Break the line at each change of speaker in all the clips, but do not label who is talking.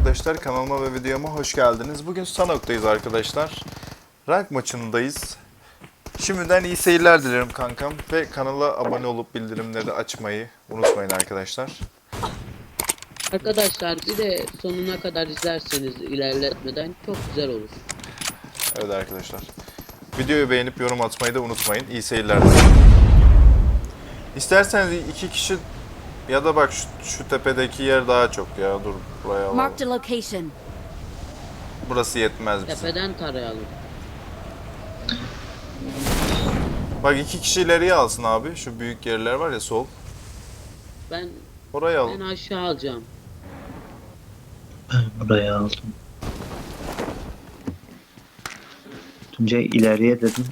arkadaşlar, kanalıma ve videoma hoş geldiniz. Bugün Sanok'tayız arkadaşlar. Rank maçındayız. Şimdiden iyi seyirler dilerim kankam. Ve kanala abone olup bildirimleri açmayı unutmayın arkadaşlar.
Arkadaşlar bir de sonuna kadar izlerseniz ilerletmeden çok güzel olur.
Evet arkadaşlar. Videoyu beğenip yorum atmayı da unutmayın. İyi seyirler dilerim. İsterseniz iki kişi ya da bak şu tepedeki yer daha çok ya. Dur buraya alalım.
Marked a location.
Burası yetmez bize.
Tepeden tarayalım.
Bak iki kişi ileriye alsın abi. Şu büyük yerler var ya, sol.
Ben
Oraya al.
ben aşağı alacağım.
Ben buraya aldım. Tuncay ileriye dedim.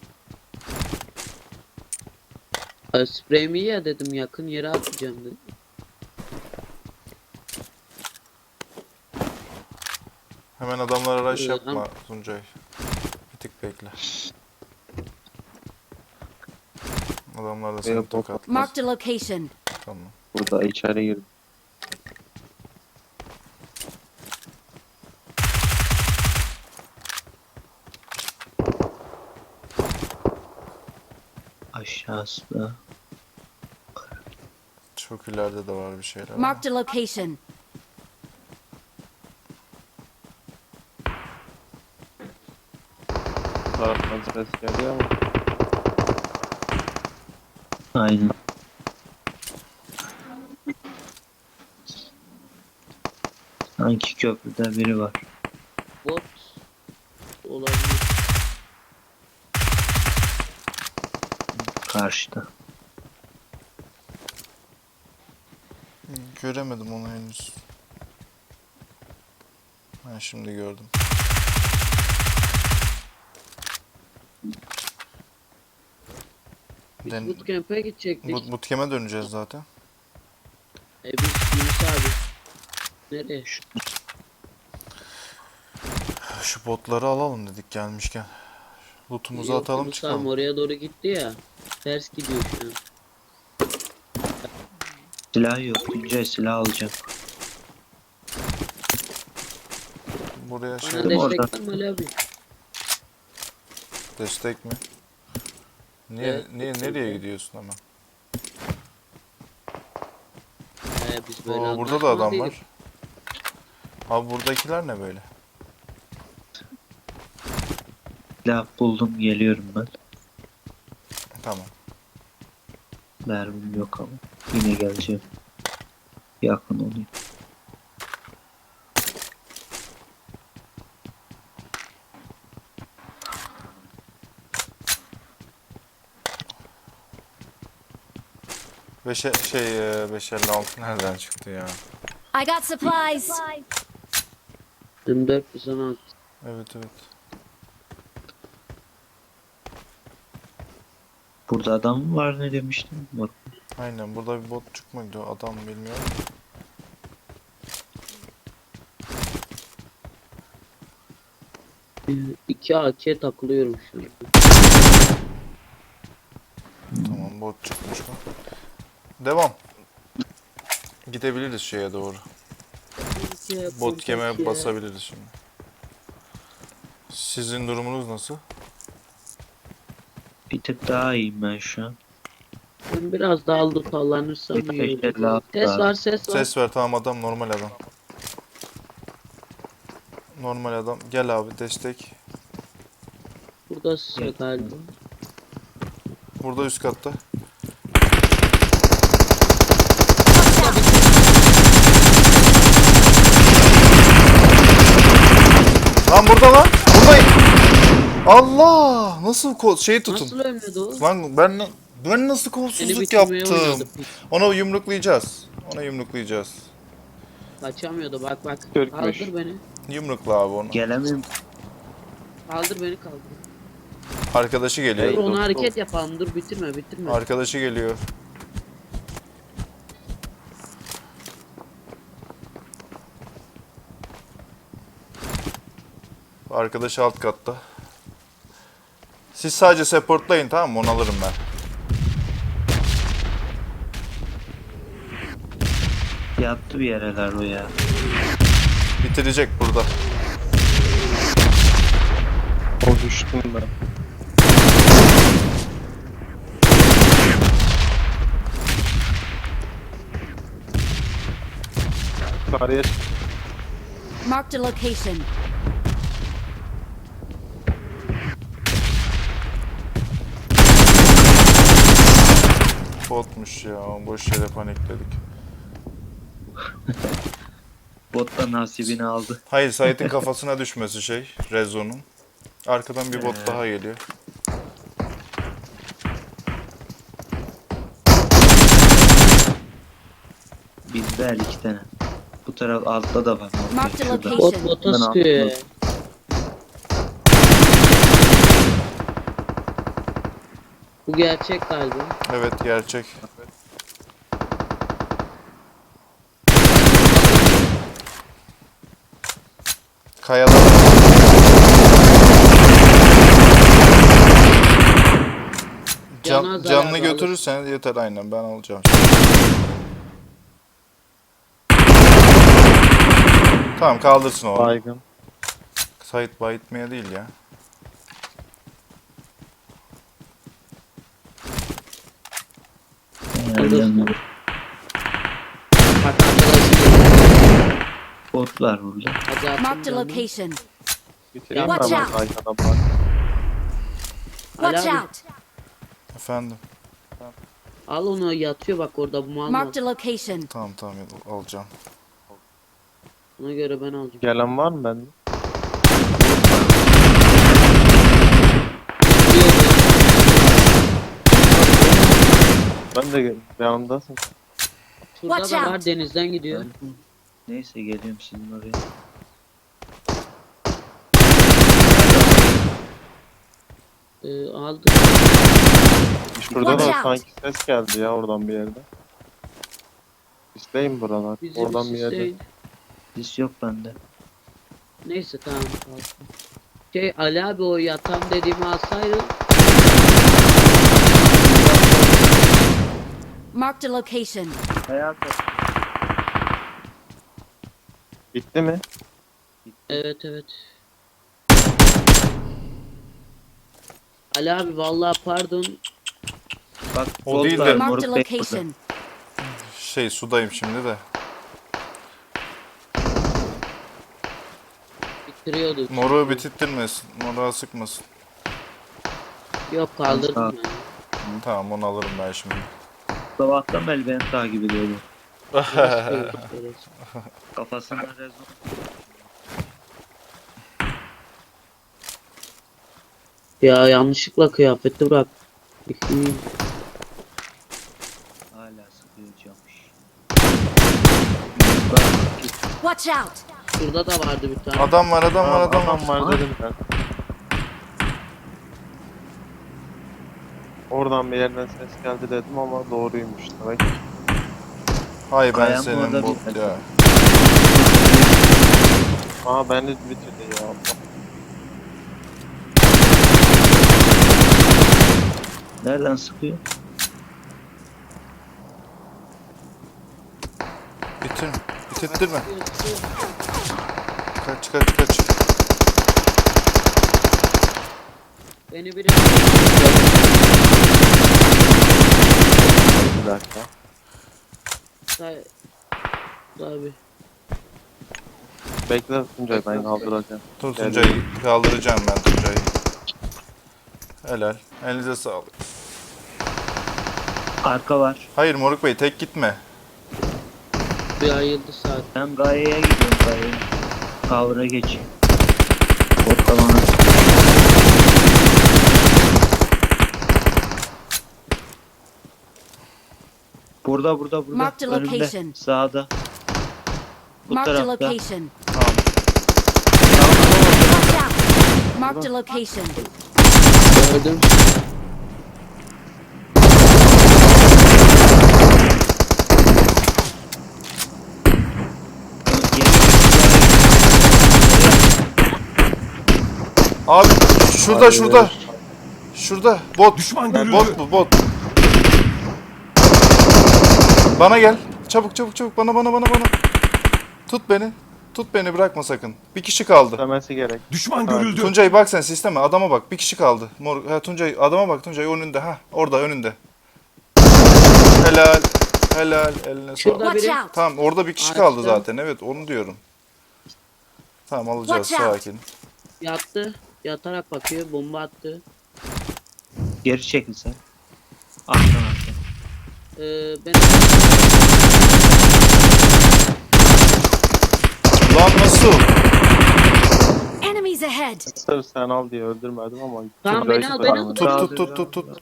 Spreyimi ya dedim, yakın yere atacağım dedim.
Hemen adamlara rush
Evet,
yapma Tuncay. Bir tık bekle. Adamlar da seni
Yok,
tokatlar.
Marked a location.
Tamam.
Burada içeri girdim.
Aşağısı da.
Çok ileride de var bir şeyler. ama.
Marked a location.
Taraftan ses geliyor ama
Aynen. Sanki köprüde biri var.
Bot olabilir.
Karşıda.
Göremedim onu henüz. Ben şimdi gördüm.
Biz
Den-
bootcamp'e gidecektik.
Bootcamp'e döneceğiz zaten.
Biz Yunus abi. Nereye?
Şu botları alalım dedik gelmişken. Lootumuzu
Yok,
atalım
Yunus abi
çıkalım.
oraya doğru gitti ya. Ters gidiyor şu an.
Silah yok. Tuncay silah alacağım.
Buraya şey
Bana
orada.
destek var mı Ali abi?
destek mi? Niye
Evet,
nereye gidiyorsun hemen?
Biz böyle
Oo, burada da adam
anlaşmalıyız.
var. Abi buradakiler ne böyle?
Silah buldum geliyorum ben.
Tamam.
Mermim yok ama. Yine geleceğim. Yakın olayım.
Beşe, şey 556 nereden çıktı ya?
I got supplies.
24 bir sana at.
Evet.
Burada adam mı var ne demiştim? Bak.
Aynen, burada bir bot çıkmadı, adam bilmiyorum.
İki AK takılıyorum şu an.
Tamam, bot çıkmış mı? Devam. Gidebiliriz şeye doğru. Bot keme basabiliriz şimdi. Sizin durumunuz nasıl?
Bir tık daha iyiyim ben şu an.
Ben biraz daha aldı tallanırsam
Bir
iyi
tek
olur.
daha-
Ses var.
Ses ver, tamam, adam normal adam. Normal adam. Gel abi, destek.
Burada size galiba.
Burada üst katta. Lan burada lan. Buradayım. Allah! Nasıl şeyi tutun.
Nasıl ölmedi o?
Lan ben nasıl
Seni
kolsuzluk
bitirmeye
yaptım?
oynadı.
Onu yumruklayacağız.
Kaçamıyordu bak.
Türkmüş.
Kaldır beni.
Yumrukla abi onu.
Gelemiyorum.
Kaldır beni kaldır.
Arkadaşı
Dur
geliyor.
onu hareket yapalım, dur bitirme.
Arkadaşı geliyor. Arkadaşı alt katta. Siz sadece supportlayın, tamam mı? Onu alırım ben.
Yattı bir yereler o ya.
bitirecek burada.
O düştüm ben. Yukarıya çık.
Marked a location.
Botmuş ya. Boş yere panikledik.
Bot da nasibini aldı.
Hayır, Sait'in kafasına düşmesi şey. Rezo'nun. Arkadan bir bot daha geliyor.
Bizde her iki tane. Bu taraf altta da var.
Marked a
Şurada.
location.
Bot bota
Ben
sıkıyor ya.
atladım.
Bu gerçek galiba.
Evet, gerçek. Kayalar.
Cana zarar
Canını
alır.
götürürsen yeter, aynen ben alacağım. Tamam, kaldırsın onu.
Baygın.
Sait bayitmeye değil ya.
Nereden
Bak arkadaşım.
bot var burada.
Hadi
Marked a
atın canım.
location.
Bitireyim
Watch
mi ama
out.
baygına bak.
Watch
Ali abi,
out.
Efendim.
al onu, yatıyor bak orada, bu mal mal.
Marked a location.
Tamam alacağım.
Ona göre ben alacağım.
Gelen var mı bende? Ben de yanındasın.
Şurada
Watch
da var,
out.
denizden gidiyor.
Neyse geliyorum sizin oraya.
Aldı.
Şurada
Watch
da
out.
sanki ses geldi ya oradan bir yerden. İsteyim buralar.
Bizi
Oradan bir yerden.
isteyin.
Dis yok bende.
Neyse tamam, kalsın. Şey Ali abi, o yatan dediğimi alsaydı.
Marked a location.
Hayatım.
Bitti mi?
Evet. Ali abi vallahi pardon.
Bak
O
bot
değil
var,
de-
Marked a
moruk bey burada.
location.
Şey, sudayım şimdi de.
Bitiriyordu.
Moruğu bitirtmesin. Moruğa sıkmasın.
Yok, kaldırdım ben.
Tamam, onu alırım ben şimdi.
Sabahtan beri beni takip ediyordu.
Evet.
Kafasına rezon.
Ya yanlışlıkla kıyafeti bırak.
Hala sıkıyorcamış.
Watch out.
Şurada da vardı bir tane.
Adam var.
Adam var dedim ben. Oradan bir yerden ses geldi dedim ama doğruymuş demek.
Hay ben
Kayan
senin
orada
bot
bir-
ya.
Aa beni bitirdi ya.
Nereden sıkıyor?
Bitirttirme. Kaç.
Beni biri
Bir dakika.
abi.
Bekle Tuncay, ben kaldıracağım.
Dur Tuncay'ı kaldıracağım ben Tuncay'ı. Helal. Elinize sağlık.
Arka var.
Hayır Moruk Bey, tek gitme.
Bir ayıldı saat.
Ben Gaye'ye gidiyorum Gaye'ye. Cover'a geçeyim. Bot da bana sıkıyor. Burada.
Marked a
Önümde.
location.
Sağda. Bu
Marked a
tarafta.
location.
Tamam.
Watch out. Marked a location.
Gördüm.
Abi şurada. Şurada. Bot.
Düşman görüldü.
Bot bu, bot. Bana gel. Çabuk bana. Tut beni. Tut beni bırakma sakın. Bir kişi kaldı.
Demesi gerek.
Düşman
Evet.
görüldü.
Tuncay bak sen sisteme. Adama bak. Bir kişi kaldı. Mor ha, Tuncay adama bak. Tuncay önünde. Ha orada önünde. Helal. Helal. Eline
Şurada
sağlık.
Watch
biri.
out!
Tamam orada bir kişi
Araçta.
kaldı zaten. Evet onu diyorum. Tamam alacağız
Watch out.
sakin.
Yattı. Yatarak bakıyor. Bomba attı.
Geri çekil sen. Arkadan arkadan.
Ben
Lan nasıl?
Enemies ahead!
Sırf sen al diye öldürmedim ama.
Tamam,
Tuncay'ı
beni al,
kurtaramadım.
beni al.
Tut.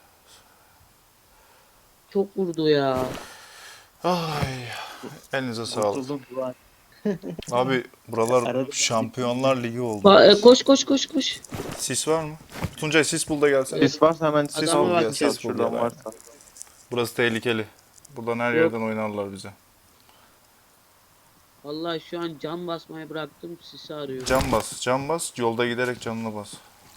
çok vurdu ya.
Ay. Elinize sağlık.
Kurtuldum Duvar.
Abi buralar
Arada-
Şampiyonlar Ligi oldu.
Koş.
Sis var mı? Tuncay sis bul da gelsene.
Sis varsa hemen sis
Adama
al
bak
diye
ya,
sal
sis bul
şuradan
ya.
varsa.
Burası tehlikeli. Buradan her
Yok.
yerden oynarlar bize.
Vallahi şu an can basmayı bıraktım. Sisi arıyorum.
Can bas. Yolda giderek canına bas.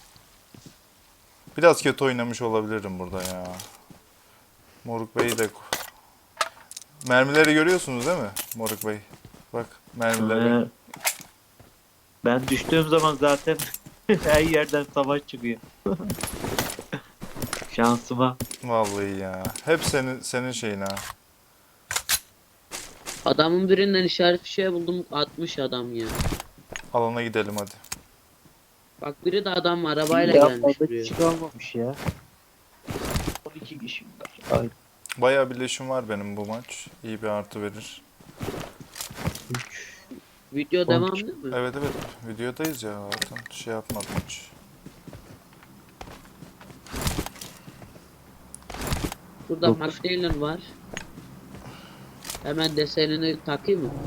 Biraz kötü oynamış olabilirim burada ya. Moruk Bey'i de... Mermileri görüyorsunuz değil mi Moruk Bey? Bak mermileri.
Ben düştüğüm zaman zaten her yerden savaş çıkıyor. Şansıma.
Vallahi ya. Hep senin şeyin ha.
Adamın birinden işaret fişeği buldum. 60 adam ya.
Alana gidelim hadi.
Bak biri de adam arabayla
Ya
gelmiş
fazla
buraya.
kişi kalmamış ya. 12 kişi var. Ay,
Bayağı birleşim var benim bu maç. İyi bir artı verir.
Video devam değil mi?
Evet videodayız ya zaten şey yapmadım hiç.
Burada McDaniel var. Hemen desenini takayım mı?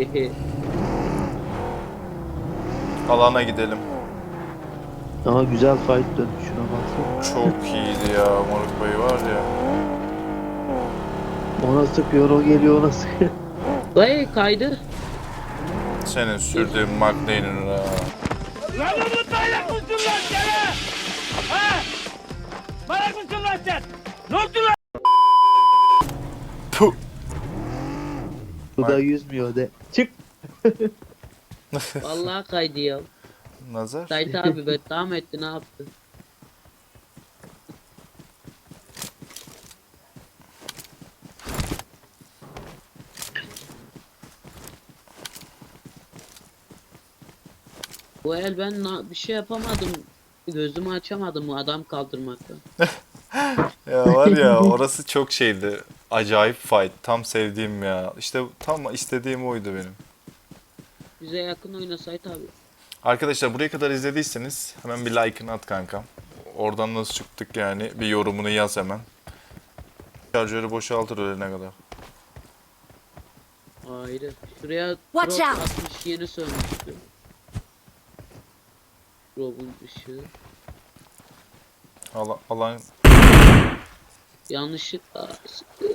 Alana gidelim.
Ama güzel fight döndü şuna baksana.
Çok iyiydi ya Moruk Bey var ya.
Ona sıkıyor o geliyor ona sıkıyor.
Vay kaydı.
Senin sürdüğün McLaren'ın ha.
Lan Umut bayrak mısın lan sen? Ha? Bayrak mısın lan sen? Ne oldu lan?
Puh.
Bu da yüzmüyor de. Çık.
Vallahi kaydı ya.
Nazar.
Sait abi beddam etti, ne yaptı? Bu el ben bir şey yapamadım. Gözümü açamadım bu adam kaldırmakta.
Ya var ya orası çok şeydi. Acayip fight. Tam sevdiğim ya. İşte tam istediğim oydu benim.
Bize yakın oyna Sait abi.
Arkadaşlar buraya kadar izlediyseniz hemen bir like'ını at kankam. Oradan nasıl çıktık yani bir yorumunu yaz hemen. Şarjörü boşaltır ölene kadar.
Ayrı. Şuraya
Watch
drop
out.
atmış, yeni sönmüştü. Drop'un ışığı.
Alan
Yanlışlıkla sıktı.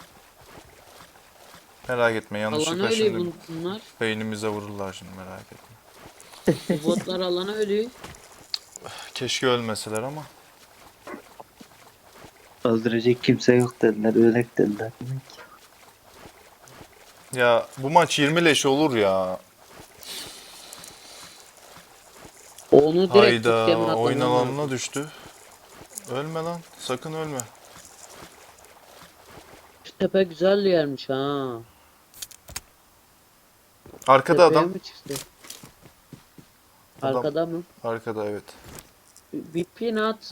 merak etme
Alana
yanlışlıkla
ölüyor
şimdi
bunlar.
beynimize vururlar şimdi merak etme.
Bu botlar alana ölüyor.
Keşke ölmeseler ama.
Öldürecek kimse yok dediler. Ölek dediler.
Ya bu maç 20 leş olur ya.
Onu direkt
Hayda
sisteme atmam
oyun
lazım.
alanına düştü. Ölme lan sakın ölme.
Şu tepe güzel yermiş ha.
Arkada
Tepeye
adam.
mi çıktı?
Adam.
Arkada mı?
Arkada evet.
Bir pin at.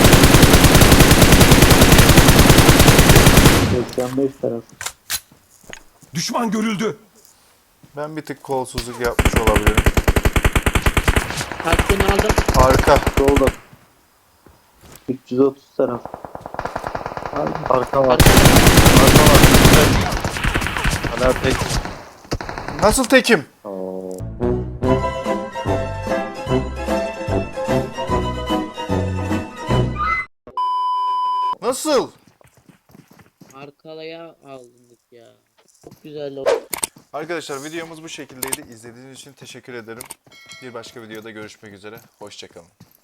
85 taraf.
Düşman görüldü.
Ben bir tık kolsuzluk yapmış olabilirim.
Hakkını aldım.
Arka.
Solda. 330 taraf.
Arka var.
Arka.
Arka var. Hala tek.
Nasıl tekim? Nasıl?
Arkalaya aldık ya. Çok güzel.
Arkadaşlar videomuz bu şekildeydi. İzlediğiniz için teşekkür ederim. Bir başka videoda görüşmek üzere. Hoşçakalın.